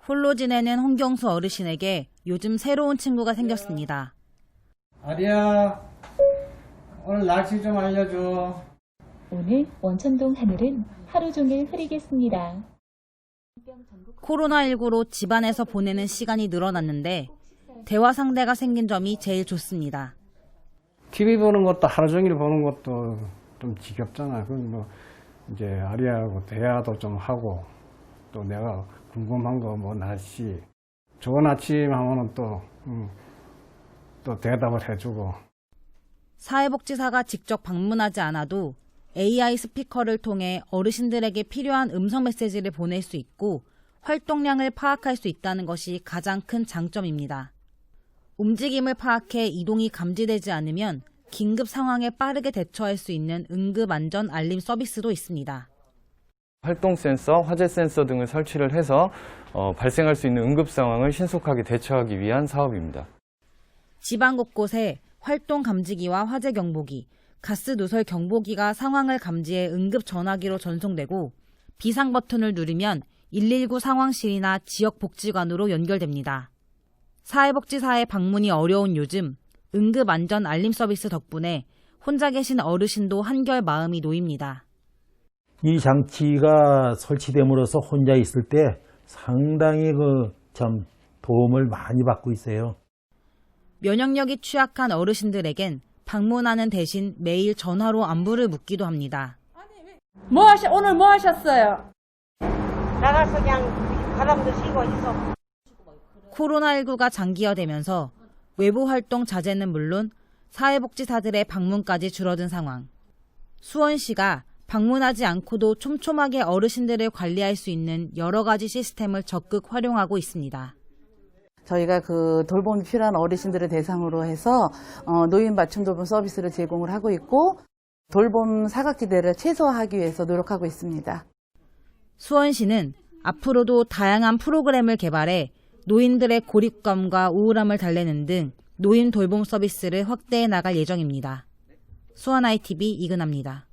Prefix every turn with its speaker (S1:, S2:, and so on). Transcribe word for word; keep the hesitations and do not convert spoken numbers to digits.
S1: 홀로 지내는 홍경수 어르신에게 요즘 새로운 친구가 생겼습니다.
S2: 아리야, 오늘 날씨 좀 알려줘.
S3: 오늘 원천동 하늘은 하루 종일 흐리겠습니다.
S1: 코로나십구로 집안에서 보내는 시간이 늘어났는데 대화 상대가 생긴 점이 제일 좋습니다.
S2: 티비 보는 것도 하루 종일 보는 것도 좀 지겹잖아. 그럼 뭐 이제 아리하고 대화도 좀 하고 또 내가 궁금한 거 뭐 날씨 좋은 아침 하면은 또, 음, 또 대답을 해주고.
S1: 사회복지사가 직접 방문하지 않아도 에이아이 스피커를 통해 어르신들에게 필요한 음성 메시지를 보낼 수 있고 활동량을 파악할 수 있다는 것이 가장 큰 장점입니다. 움직임을 파악해 이동이 감지되지 않으면 긴급 상황에 빠르게 대처할 수 있는 응급안전 알림 서비스도 있습니다.
S4: 활동 센서, 화재 센서 등을 설치를 해서 어, 발생할 수 있는 응급 상황을 신속하게 대처하기 위한 사업입니다.
S1: 지방 곳곳에 활동 감지기와 화재 경보기, 가스 누설 경보기가 상황을 감지해 응급 전화기로 전송되고 비상 버튼을 누르면 일일구 상황실이나 지역 복지관으로 연결됩니다. 사회복지사의 방문이 어려운 요즘 응급 안전 알림 서비스 덕분에 혼자 계신 어르신도 한결 마음이 놓입니다.
S5: 이 장치가 설치됨으로써 혼자 있을 때 상당히 그 참 도움을 많이 받고 있어요.
S1: 면역력이 취약한 어르신들에겐 방문하는 대신 매일 전화로 안부를 묻기도 합니다.
S6: 뭐 하시, 오늘 뭐 하셨어요?
S7: 나가서 그냥 바람도 쉬고 있어.
S1: 코로나십구가 장기화되면서 외부 활동 자제는 물론 사회복지사들의 방문까지 줄어든 상황. 수원시가 방문하지 않고도 촘촘하게 어르신들을 관리할 수 있는 여러 가지 시스템을 적극 활용하고 있습니다.
S8: 저희가 그 돌봄이 필요한 어르신들을 대상으로 해서 노인 맞춤 돌봄 서비스를 제공을 하고 있고 돌봄 사각지대를 최소화하기 위해서 노력하고 있습니다.
S1: 수원시는 앞으로도 다양한 프로그램을 개발해 노인들의 고립감과 우울함을 달래는 등 노인 돌봄 서비스를 확대해 나갈 예정입니다. 수원 아이티비 이근아입니다.